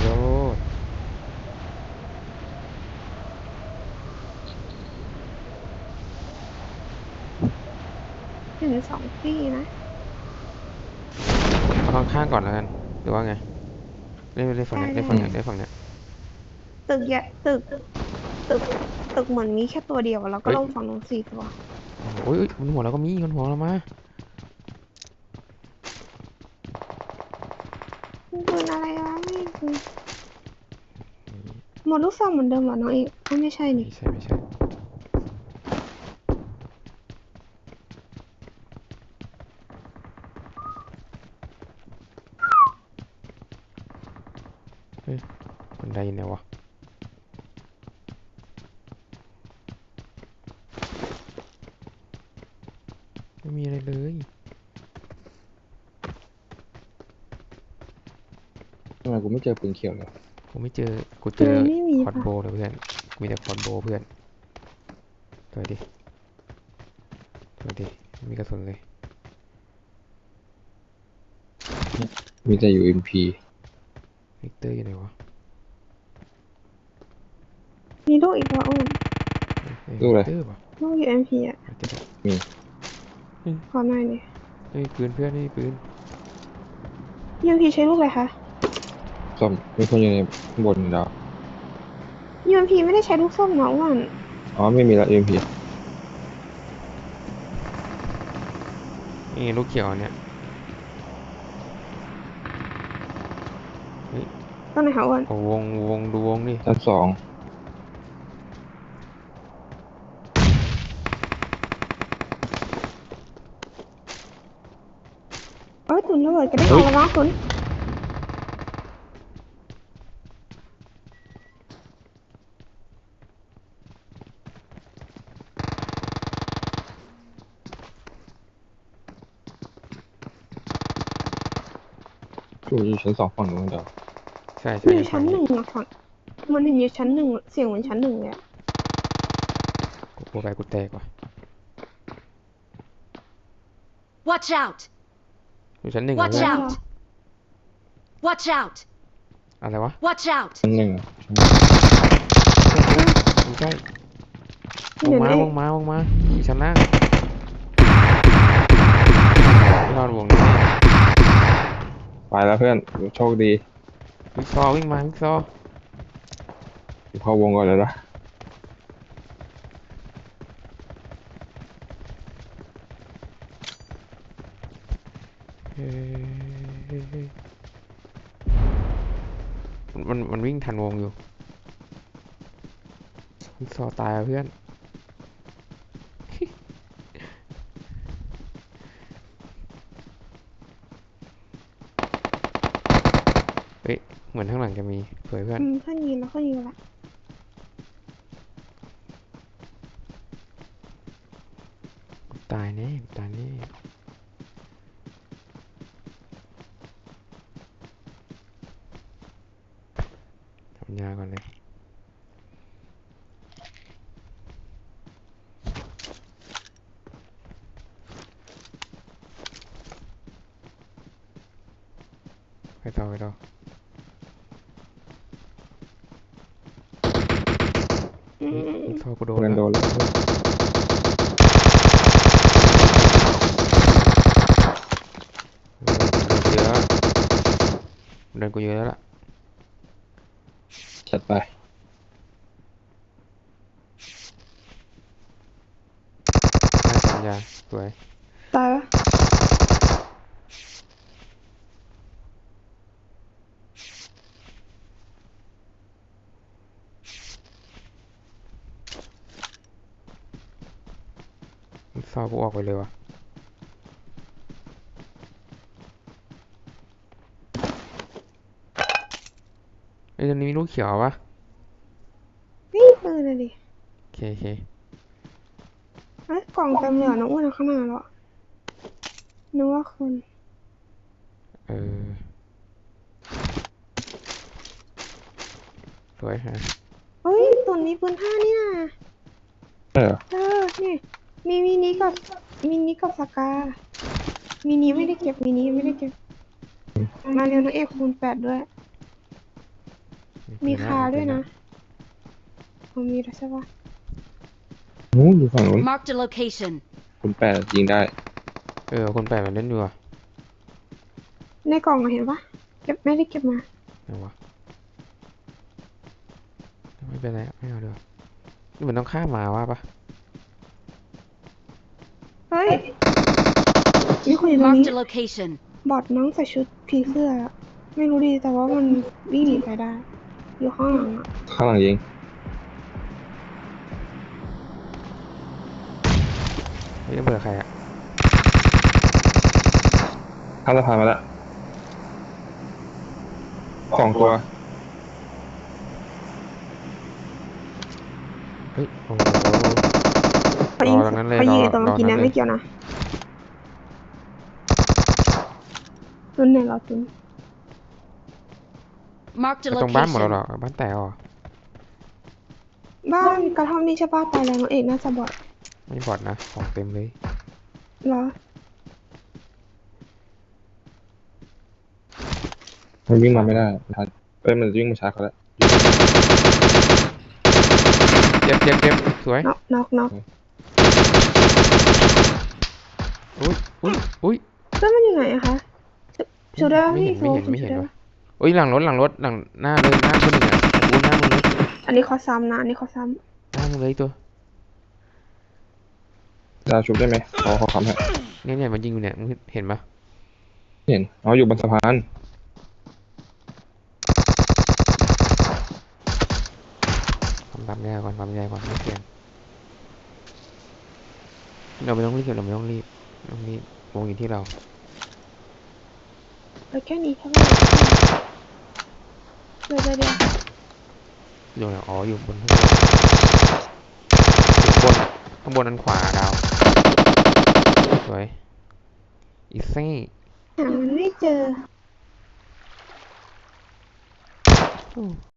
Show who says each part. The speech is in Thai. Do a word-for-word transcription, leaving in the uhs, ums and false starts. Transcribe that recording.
Speaker 1: โลด
Speaker 2: เห็นสองที่นะ
Speaker 1: เอาข้างๆก่อนแล้วกันหรือว่าไงเล่นเล่นฝั่ง
Speaker 2: ได้
Speaker 1: เนี้ยเล่น
Speaker 2: ได้
Speaker 1: ฝั่ง
Speaker 3: อืม
Speaker 1: เนี้ยเล่นฝั่งเนี้ย
Speaker 2: ตึกใหญ่ตึกตึกตึกเหมือนมีแค่ตัวเดียวแล้วก็
Speaker 1: เฮ้ย
Speaker 2: ลงฝั่งนู้นสี่ตัว
Speaker 1: โอ้ยบนหัวเราก็มีบนหัวเรามา
Speaker 2: มันปืนอะไรวะไม่ปืนหมดลูกซองเหมือนเดิมเหรอน้องเอกก็ไม่ใช่
Speaker 1: ไม่
Speaker 2: นี่
Speaker 1: ใช่ไม่ใช่เฮ้ยคนใดเนี่ยวะไม่มีอะไรเลย
Speaker 3: ทำไมกูไม่เจอปืนเขียวเลย
Speaker 1: กูไม่เจอกูเจอ
Speaker 2: ทำไมไม่มี
Speaker 1: คอร์ด
Speaker 2: ปะ
Speaker 1: โบว์เลยเพื่อนมีแต่คอร์ดโบว์เพื่อนตัวดิตัวดิไม่มีกระสุนเลย
Speaker 3: มีแต่ ยู เอ็ม พี
Speaker 1: วิกเตอร์อยู่ไหนวะ
Speaker 2: มีลูกอีกแล้วอ้น
Speaker 1: เอ้ย
Speaker 3: ลูก
Speaker 1: วิ
Speaker 3: อะไร
Speaker 1: กเตอร์ป่ะ
Speaker 2: ลูก ยู เอ็ม พี อ่ะ
Speaker 1: อาจจะได้
Speaker 3: มี
Speaker 2: ขอหน่อยดิ
Speaker 1: เฮ้ยปืนเพื่อนนี่ปืน
Speaker 2: ยู เอ็ม พี ใช้ลูกอะไรคะ
Speaker 3: ส้มมีคนอยู่ในข้างบนอยู่แล้ว
Speaker 2: ยู เอ็ม พี ไม่ได้ใช้ลูกส้มนะอ้วน
Speaker 3: อ๋อไม่มีแล้ว ยู เอ็ม พี
Speaker 1: นี่ลูกเขียวเนี่ยเฮ้ย
Speaker 2: ตอนไหนคะอ้วน
Speaker 1: เอาวงวงดูวงดิ
Speaker 3: ชั้นสอง
Speaker 2: เอ้ยตุนระเบิดกระเด้งออกแล้วนะตุน
Speaker 3: กูอยู่ชั้นสองฝั่งนู้นเดียว
Speaker 1: ใช่
Speaker 2: อ
Speaker 1: ใช่
Speaker 2: ยู่ชั้นหนึ่งอะฝั่งมันเห็นอยู่ชั้นหนึ่งเสียงเหมือนชั้นหนึ่งเลยอะ
Speaker 1: กูกลัวไปกูแตกว่ะ
Speaker 4: Watch out!
Speaker 1: อยู่ชั้นหนึ่งเหรอ
Speaker 4: Watch
Speaker 1: เพื่อน
Speaker 4: out! Watch out!
Speaker 1: อะไรวะ
Speaker 4: Watch out!
Speaker 3: ชั้นหนึ่งอะ
Speaker 1: ไม่ใช่ว
Speaker 2: เดี๋
Speaker 1: ง
Speaker 2: ยว
Speaker 1: มา
Speaker 2: นะ
Speaker 1: วงมาวงมาอยู่ชั้นล่างไม่รอดวงนี้
Speaker 3: ไปแล้วเพื่อนโชคดี
Speaker 1: วิกซอวิ่งมาวิกซอ
Speaker 3: กูเข้าวงก่อนเลยนะ
Speaker 1: เฮ้ยมันมันมันวิ่งทันวงอยู่วิกซอตายอ่ะเพื่อนเฮ้ยเหมือนข้างหลังจะมีสวยเพื่อน
Speaker 2: อืมเพื่อนยิงแล้วเพื่อนยิงละ
Speaker 1: ตายแน่ตายแน่ทำยาก่อนเลยไปต่อไปต่อ
Speaker 2: อืมอืมอื
Speaker 1: อี
Speaker 2: ม
Speaker 1: กซอกูโดน
Speaker 3: เพื่อน
Speaker 1: แล้ว
Speaker 3: โดนแล้ว
Speaker 1: เดินกูเยอะแล้วเดินกูเยอะแล้วล่ะ
Speaker 3: จัดไป
Speaker 1: ได้ทำยาสวย
Speaker 2: ตายวะ
Speaker 1: อีกซอกูออกไปเลยวะไอ้ยตรงนี้มีลูกเขียวปะ
Speaker 2: นี่ปืนอะดิ
Speaker 1: โอเคโอเค
Speaker 2: เอ้ยกล่องเต็มเลยเหรอน้องอ้วนเอาข้างหน้าแล้วอะนึกว่าคน
Speaker 1: เออสวยฮะ
Speaker 2: เฮ้ยตุนมีปืนผ้านี่นะ
Speaker 3: ใช่เหรอ
Speaker 2: เออนี่มีมินิกับมินิกับสกามินิไม่ได้เก็บมินิไม่ได้เก็บมาเร็วน้องเอกคูณแปดด้วยมีคาด้วยนะผมมีแล้วใช่ปะ
Speaker 3: นู้นอยู่ฝั่งนู้น
Speaker 4: Marked a location.
Speaker 3: คุณแปดยิงได้
Speaker 1: เออคนแปลกมันเล่นอยู่อะ
Speaker 2: ในกล่องอะเห็นปะเก็บไม่ได้เก็บมา
Speaker 1: ไหนวะไม่เป็นไรอะไม่เอาเดี๋ยวานี่มันต้องข้ามมาว่าปะ
Speaker 2: เฮ้ยมีคนอยู่ตรงนี้
Speaker 4: Marked a location.
Speaker 2: บอดน้องใส่ชุดผีเสื้ออะไม่รู้ดีแต่ว่ามันวิ่งหนีไปได้ อยู่ข้างหลังอะ
Speaker 3: ข้างหลังยิง
Speaker 1: เฮ้ยระเบิดใครอะ
Speaker 3: ข้ามสะพานมาแล้วสองตัว
Speaker 1: เฮ้ยโอ้โห
Speaker 2: เขายิง
Speaker 1: รอตรงนั้นเลย
Speaker 2: เขายิง
Speaker 1: รอ
Speaker 2: ไอ้ตัวเมื่อกี้เนี่ย
Speaker 1: รอตรงนั้นเลย
Speaker 2: ไม่เกี่ยวนะตุนไหนเราตุน
Speaker 4: Marked a
Speaker 1: แล้วตรงบ้านหมดแล้วเหร
Speaker 4: location.
Speaker 1: อบ้านแตกเหรอ
Speaker 2: บ้านกระท่อมนี่ใช่ปะตายแล้วน้องเอกน่าจะบอด
Speaker 1: ไม่บอดนะของเต็มเลย
Speaker 2: เหรอ
Speaker 3: มันวิ่งมาไม่ได้ทันเอ้ยมันวิ่งมาช้าเขาแล้ว
Speaker 1: เจ็บเจ็บเจ็บสวย
Speaker 2: น็อกน็อกน็อก
Speaker 1: อุ้ยอุ้ยอุ้ย
Speaker 2: เพื่อนมันอยู่ไหนอะคะชูได้ปะ
Speaker 1: ไม่
Speaker 2: พี่
Speaker 1: เห็น
Speaker 2: โฟ
Speaker 1: ไม่เห็นไม่เห็น
Speaker 2: ชูด้
Speaker 1: วะ
Speaker 2: ปะ
Speaker 1: อุ้ยหลังรถหลังรถหลังหน้าเลยหน้าคนหนึ่งอ่ะอุ้ยหน้ามึงเลย
Speaker 2: อันนี้เขาซ้ำนะอันนี้เขาซ้
Speaker 1: หน้ามึงเลยตัว
Speaker 3: ดาวชุบได้ไหมขอขอคำให้
Speaker 1: เนี่ยเนี่ยมันยิงอยู่เนี่ยมึงเห็นปะ
Speaker 3: เห็นอ๋ออยู่บนสะพาน
Speaker 1: ทำตามยาก่อนทำยาก่อนไม่เสี่ยงเราไม่ต้องรีบเราไม่ต้องรีบไม่ต้องรีบวงอยู่ที่เรา
Speaker 2: ำไปแค่นี้แค่ไหนเดี๋ยวเดี๋ยวเดี๋ยว
Speaker 1: อยู่ไหนอ๋ออยู่บนข้างบนอยู่บนอะข้างบนอันขวาดาวสวยอีซี่
Speaker 2: หามันไม่เจอ